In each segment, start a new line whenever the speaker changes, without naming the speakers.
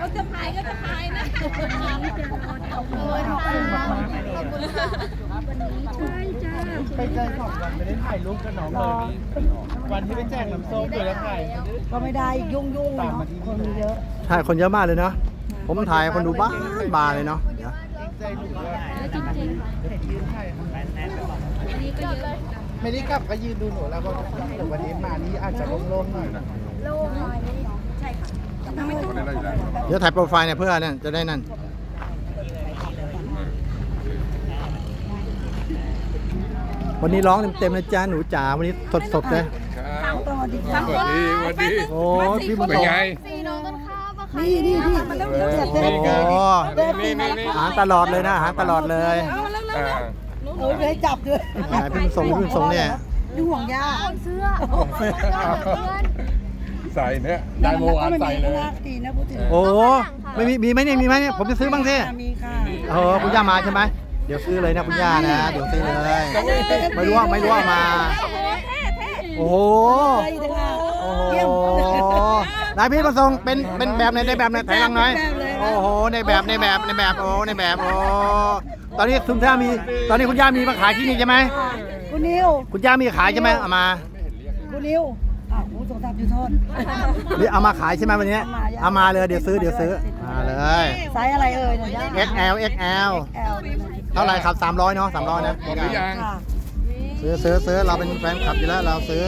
เขาจะพายก็จะพายนะ
ไปเจอ2 วันไม่ได้ถ่ายรูปกับน้องเลยวันที่ไปแจกน้ำส้มเลยแล้วถ่าย
ก็ไม่ได้ยุ่งเนาะคนเยอะ
ใช่คนเยอะมากเลยเนาะผมถ่ายคนดูบ้าเลยเนาะ
ไม่ได้กลับก็ยืนดูหนูแล้วก็วันนี้มานี่อาจจะโล่งๆหน่อยนะ
โล่งหน่อยใช่ค่ะ
เดี๋ยวถ่ายโปรไฟล์เนี่ยเพื่อเนี่ยจะได้นั่นวันนี้ร้องเต็มๆนะจ๊ะหนูจ๋าวันนี้สดๆเลย
วันดี
โอ้พี่บุญ
เป็นไง
นี่มันต้องเดือด
อาหารตลอดเลยนะอาหารตลอดเลย
เลยจับด้วย
พี่ส่งเนี่ย
ดูห่วงยาเสื้อ
ใส่เนี่ยได้โมอันใส่เลย
โอ้ไม่มีไหมเนี่ยผมจะซื้อบ้างสิ
มีค่ะ
คุณย่ามาใช่ไหมเดี๋ยวซื้อเลยนะคุณย่านะเดี๋ยวซื้อเลยไม่รู้ว่ามาโอ้โหนายพี่ประสงค์เป็นแบบไหนได้แบบไหนถ่ายรังหน่อยโอ้โหในแบบโอ้ในแบบโอ้ตอนนี้คุณย่ามีตอนนี้คุณย่ามีมาขายที่นี่ใช่ไหม
คุณนิว
คุณย่ามีขายใช่ไหมเอามา
คุณนิวผู้ส่งทรัพย์ยูโทษ
นี่เอามาขายใช่ไหมวันนี้เอามาเลยเดี๋ยวซื้อมาเลย
ไซส์อะไรเอ่ย
XL เท่าไหร่ครับ300เนาะ300นะซื้อเราเป็นแฟนคลับอยู่แล้วเราซื้อ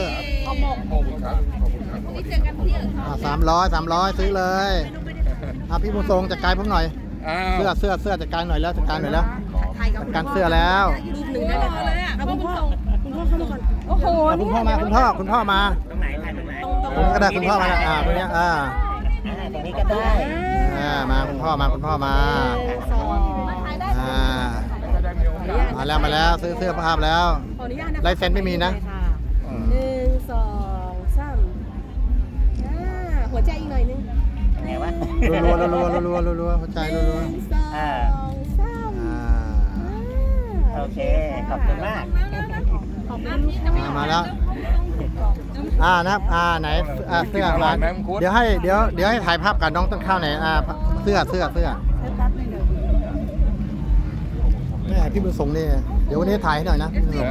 300ซื้อเลยพี่บุญทรงจัดการผมหน่อยเสื้อจัดการหน่อยแล้วจัดการการเสื้อแล้ว
รูปหนึ่งได้เลยอ่ะคุณพ่อเข้ามาก่อนโอ้โห
คุณพ่อมาตรงไหนผมก็ได้คุณพ่อมาตรงนี้
ตรงนี้ก็ได้
มาคุณพ่อมามาแล้วซื้อเสื้อภาพแล้วลายเซ็นไม่มีนะ
1 2 3หัวใจอีกหน่อยนึง
ไงวะ
รัวหัวใจรัว
โอเคขอบคุณมาก
มาแล้วไหนเสื้อมาเดี๋ยวให้ถ่ายภาพกับน้องต้นข้าวไหนเสื้อแม่พี่บุญสงนี่เดี๋ยววันนี้ถ่ายให้หน่อยนะพี่บุญสง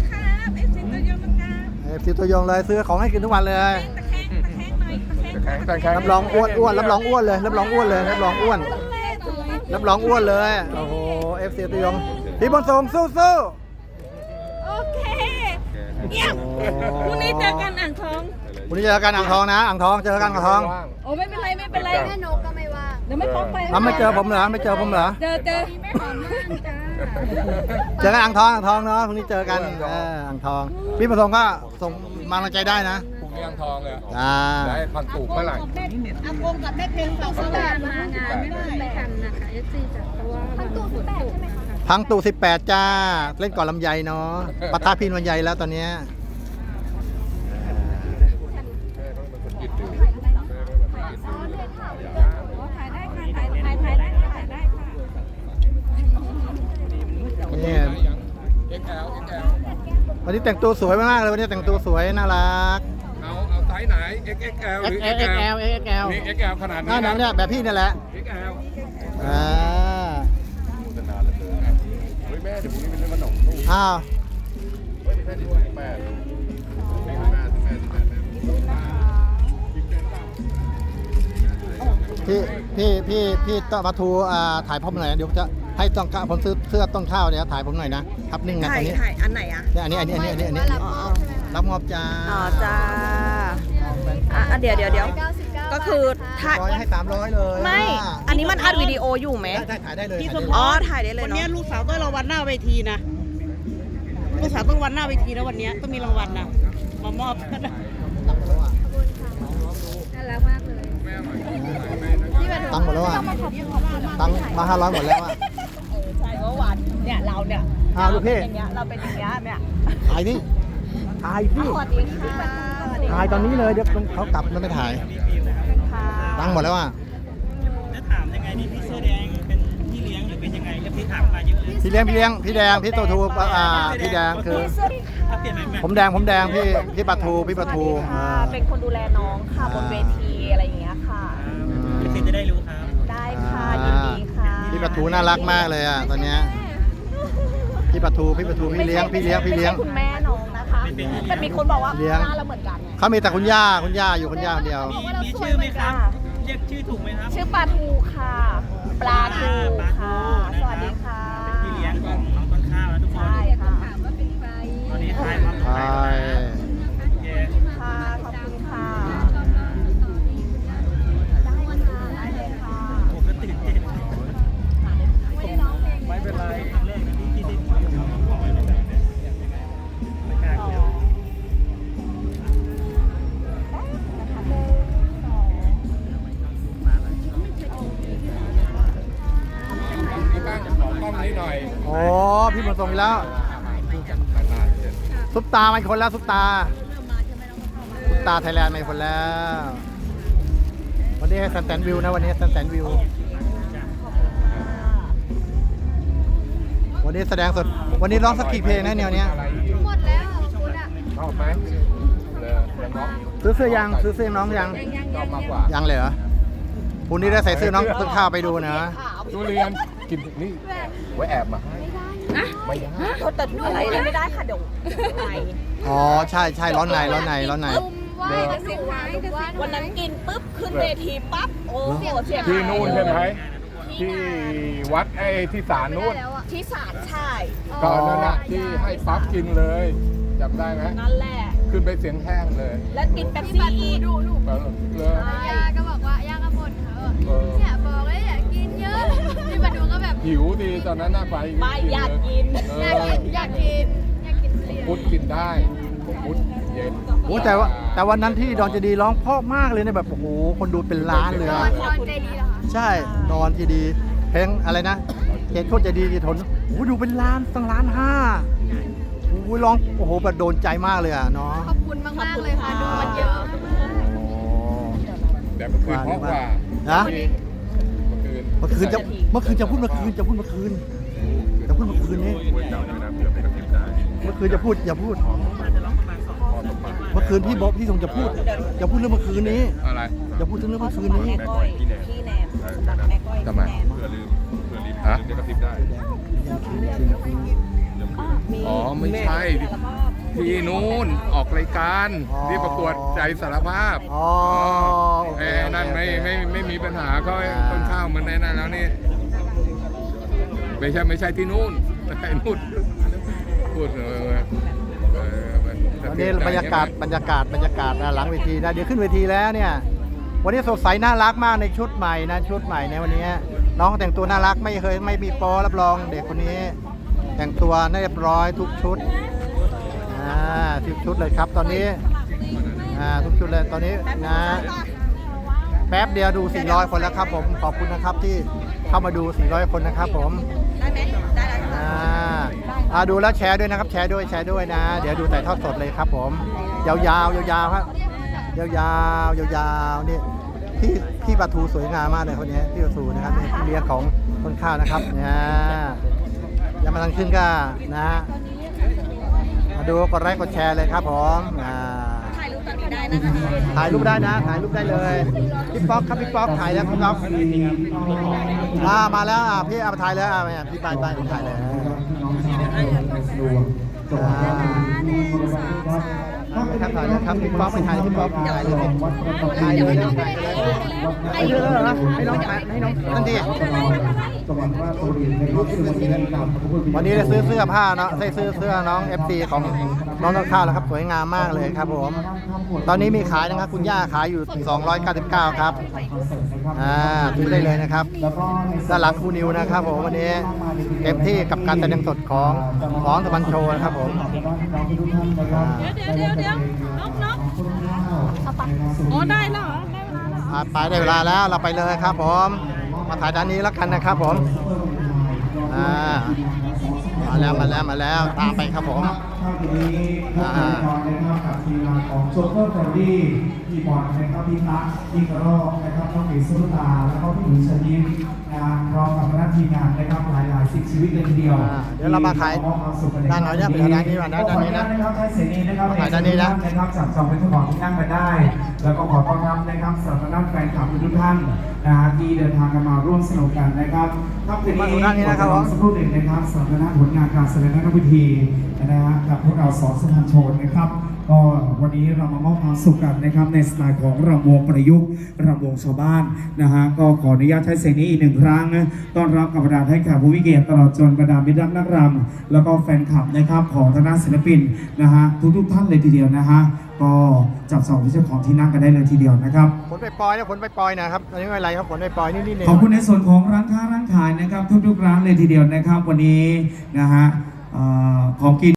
FC ตัวยงเลยซื้อของให้กินทุกวันเลยรับรองอ้วนรับรองอ้วนเลยรับรองอ้วนเลยโอ้โห FC ตัวยงพี่บุญสงสู้
โอเคเยี่ยมพรุ่งนี้เจอกันอ่างทอง
วันนี้เจอกันอ่างทองนะอ่างทองเจอกันอ่างทอง
โอ้ไม่เป็นไรแม่นกก็ไม่ว่างเดี๋ยวไม่พบไป
ไม่เจอผมเหรอเจอ
ไม่หอมมาก
เจอกันอ่างทองเนาะพรุ่งนี้เจอกันอ่างทองพี่ประสงค์ก็ส่งมาลังใจได้นะ
พรุ่งนี้อ่างทองเลย
ได้
พันตูกเมื่อไหร่
อากงกับแม่เพลงเราสลับมางานไม่ทันนะคะFCจากตัวพันตู18ใช่ไหมคะ
พังตู18จ้าเล่นก่อนลำไยเนาะปะทะพินวันใหญ่แล้วตอนนี้วันนี้แต่งตัวสวยมากเลยวันนี้แต่งตัวสวยน่ารัก
เอาไซส์ไหน XXL หรือ XL นี่ XL ขนาดนี้
นะเนี่ยแบบพี่นี่แหละ
XL
แม่เดี๋ยวพรุ่งนี้เป็นเรื่องขนมพี่ต้องมาทูถ่ายผมหน่อยเดี๋ยวจะให้ต้องข้าวผมซื้อเสื้อต้นข้าวเดี๋ยวถ่ายผมหน่อยนะทับนิ่งนะตอนนี้
ถ่ายอันไหนอ่ะ
อันนี้รับงอบจ้า
จ้าเดี๋ยวก็คือ
ถ่ายให้300เลย
ไม่อันนี้มันอัดวิดีโออยู่ไหม
ถ่ายได้เลย
ถ่ายได้เลย
วันนี้ลูกสาวต้องรางวัลหน้าเวทีนะลูกสาวต้องวันหน้าเวทีแล้ววันนี้ต้องมีรางวัลนะมามอบ
น่ารักมากเลย
ตังหมดแล้วตังมา500หมดแล้ว
ใช่ว่าหวานเนี่ยเราเนี่ย
ลูกพี่
อย่างเงี้ยเราเป็นอย่างเงี้ยเนี่ย
ถ่ายนี่ถ่ายพี่ถ่ายตอนนี้เลยเดี๋ยวเขากลับแล้วไม่ถ่ายตังหมดแล้ว
จะถามยังไงนี่พี่เสื้อแดงเป็นพี่เลี้ยงหรือเป็นยังไงแล้วพี่ถามมาเยอะเลย
พี่เลี้ยงพี่แดงพี่ตัวทูพี่แดงคือผมแดงพี่ปะทู
เป็นคนดูแลน้องค่ะบนเวทีอะไรอย่างเงี้ยค่ะ
พี่จะได้รู้ครับ
ทูน่ารักมากเลยอ่ะตอนเนี้ยพี่ปลาทูพี่เลี้ยง
ไม่ใช่คุณแม่น้องนะคะแต่มีคนบอกว่า
เลี้ยง
หน้าเราเหมือนกันไง
เขามีแต่คุณย่าอยู่คุณย่าคนเดียว
มีชื่อไหมครับ เรียกชื่อถูกไหมครับ
ชื่อปลาทูค่ะ ปลาทูค่ะ สวัสดีค่ะ
พี่เลี้ยงของน้องต้นข้าวนะทุกคน
ใช่ค่ะ
ตอนนี้ทายความ
ใช่
โอเค
ค่ะ ขอบคุณค่ะ ได้เลยค่ะ
ผมก็ตื่นเต้นไม่เป็นไรครั้งแรกนะที่ได้ไม่กล้าเกี่ยว
นี่บ้างขอกล้องนี้หน่อย
โอ้พี่บุญส่งอีกแล้ว
นานๆเจอ
ซุปตามาอีกคนแล้วซุปตาไทยแลนด์มาอีกคนแล้ว วันนี้แซนวิวนะวันนี้แซนวิว วันนี้แสดงสด วันนี้ร้องสักกี่เพลงนะแนวเนี้ย
อะไรอีก
หมดแล้วคุณอะ
ชอบไหมเลยน้อง
ซื้อเสื้อยังซื้อเสื้อน้องยัง
ชอบมากกว่า
ยังเลยเหรอพรุ่งนี้ได้ใส่เสื้อน้องต้นข้าวไปดูนะ
ทุเรียนกินนี่ไว้แอบมาให้ไม่ได้
แต่อะไรเลยไม่ได้ค่ะเดี๋ยวไป
อ๋อใช่ร้อนใน
วันนั้นกินปุ๊บขึ้นเวทีปั๊บโอ้เสียง
ที่นู่นใช่ไหมที่วัดไอ้ที่ศาลนู่น
ที่ศาลใช่
ก็นั่นน่ะที่ให้ปั๊บกินเลยจำได้ไหม
นั่นแหละ
ขึ้นไปเสียงแห้งเลย
แล้วกินเป๊ปซี่อีก
เลย
ย่าก็บอกว่าย่าก็บ่นเขา
เออ
เนี่ยบอกเลยอยากกินเยอะพี่มาดูก็แบบ
หิวดีตอนนั้นน่ะไป
ไม่อยากกิน
เอ
อยากกินอยากกินทุเรียน
พุทธกินได้พุทธเย็น
โอ้แต่วันนั้นที่ดอนเจดีร้องเพราะมากเลยนะแบบโอ้โหคนดูเป็นล้านเลย
นอ
อะ
นใจดีเหรอคะ
ใช่ดอนเจดีเพลงอะไรนะเขตโคตรเจดีทนโอ้โหดูเป็นล้านตั้งล้านห้าโอ้โหร้องโอ้โหแบบโดนใจมากเลยอ่ะเนาะ
ขอบคุณมากๆเลยค่ะดูมันเยอะ
โอ้
แต่เมื่อคืนเพราะว่า
นะ
เมื่อคืน
เมื่อคืนจะพูดเมื่อคืนนี้ เมื่อคืนจะพูดอย่าพูด เมื่อคืนพี่บ๊อบพี่ทรงจะพูดเรื่องเมื่อคืนนี้
อะไร
อย่าพูดถึงเรื่องเมื่อคืนนี้
แม่ก้อยพี่แนมสำหรับแม่ก้อย
ทำไม ฮะ อ๋อไม่ใช่ที่นู้นออกรายการ
อ๋อ
ที่ประกวดใจสารภาพ
อ๋อโอเค
นั่นไม่มีปัญหาก็ต้นข้าวมันในนั้นแล้วนี่ไม่ใช่ที่นู่นไอ้นู่นพูด
วันนี้บรรยากาศหลังเวทีนะเดี๋ยวขึ้นเวทีแล้วเนี่ย วันนี้สดใสน่ารักมากในชุดใหม่นะชุดใหม่ในวันนี้ น้องแต่งตัวน่ารักไม่มีโป๊รับรองเด็กคนนี้ แต่งตัวเรียบร้อยทุกชุดทุกชุดเลยครับตอนนี้ทุกชุดเลยตอนนี้นะแป๊บเดียวดู400คนแล้วครับผมขอบคุณนะครับที่เข้ามาดู400คนนะครับผม
ได้ไหมได้แล้ว
ดูแล้วแชร์ด้วยนะครับแชร์ด้วยนะเดี๋ยวดูถ่ายทอดสดเลยครับผมยาวๆครับยาวๆนี่พี่ปลาทูสวยงามมากเลยคนนี้พี่ปลาทูนะครับนี่เลี้ยงของต้นข้าวนะครับเนี่ยยังมาทางขึ้นก็นะมาดูกดไลค์กดแชร์เลยครับผม
ถ่ายรูปตอนนี้ได้นะคะ
ถ่ายรูปได้เลยพี่ป๊อกครับพี่ป๊อกถ่ายแล้วพี่ป๊อกมาแล้วพี่เอามาถ่ายเลยพี่ไปผมถ่ายเลยครับถ่ายเลยครับพี่ป๊อกไปถ่ายพี่ป๊อกถ่ายเลยให้น้องนั่นดิวันนี้ได้ซื้อเสื้อผ้าเนาะได้ซื้อเสื้อน้อง FC ของน้องต้นข้าวแล้วครับสวยงามมากเลยครับผมตอนนี้มีขายนะครับคุณย่าขายอยู่299ครับซื้อได้เลยนะครับด้านหลังครูนิวนะครับผมวันนี้เต็มที่กับการแสดงสดของตะวันโชว์นะครับผม
เดี๋ยวนกอ๋อได้แล้วเหรอ
ไปได้เวลาแล้วเราไปเลยครับผมมาถ่ายด้านนี้แล้วกันนะครับผมมาแล้วตามไปครับผม
ทีนี้นะครับกับทีมงานของโชเฟอร์แฟรดี้คีย์บอร์ดนะครับพี่ตั๊กพี่กระรอกนะครับน้องเอ๋สุรตาแล้วก็พี่หนูชยิ้มนะพร้อมกับคณะทีมงานนะครับหลายๆ10ชีวิตเลยทีเดียว
เดี๋ยวเรามาขายด้านไหนเนี่ยไปด้านนี้มาด้านนี้นะ
นะครับใช้เสรีนะครับ
ขายด้านนี้นะ
นะครับจับจองเป็นทุกของที่นั่งกันได้ แล้วก็ขอต้อนรับนะครับสำหรับแฟนคลับทุกท่านนะที่เดินทางกันมาร่วมสนุกกันนะครับครับคืนนี้ขอสักครู่หนึ่งนะครับสำหรับผลงานการแสดงนักวิธีนะฮะกับพวกเราสอนสุพรรณโชนนะครับก็วันนี้เรามามอบความสุขกันนะครับในสไตล์ของรำวงประยุกต์รำวงชาวบ้านนะฮะก็ขออนุญาตใช้เสียงนี้อีกหนึ่งครั้งนะต้อนรับกับบรรดาให้แขกผู้มีเกียรติตลอดจนบรรดามิตรรักนักรำแล้วก็แฟนคลับนะครับของทางด้านศิลปินนะฮะทุกท่านเลยทีเดียวนะฮะก็จับสองที่เจ้าของที่นั่งกันได้เลยทีเดียวนะครับ
ขนไปปล่อยนะขนไปปล่อยนะครับอันนี้ไม่เป็นไรครับขนไปปล่อยนิดๆ
ขอบคุณในส่วนของร้านค้าร้านขายนะครับทุกๆร้านเลยทีเดียวนะครับวันนี้นะฮะของกิน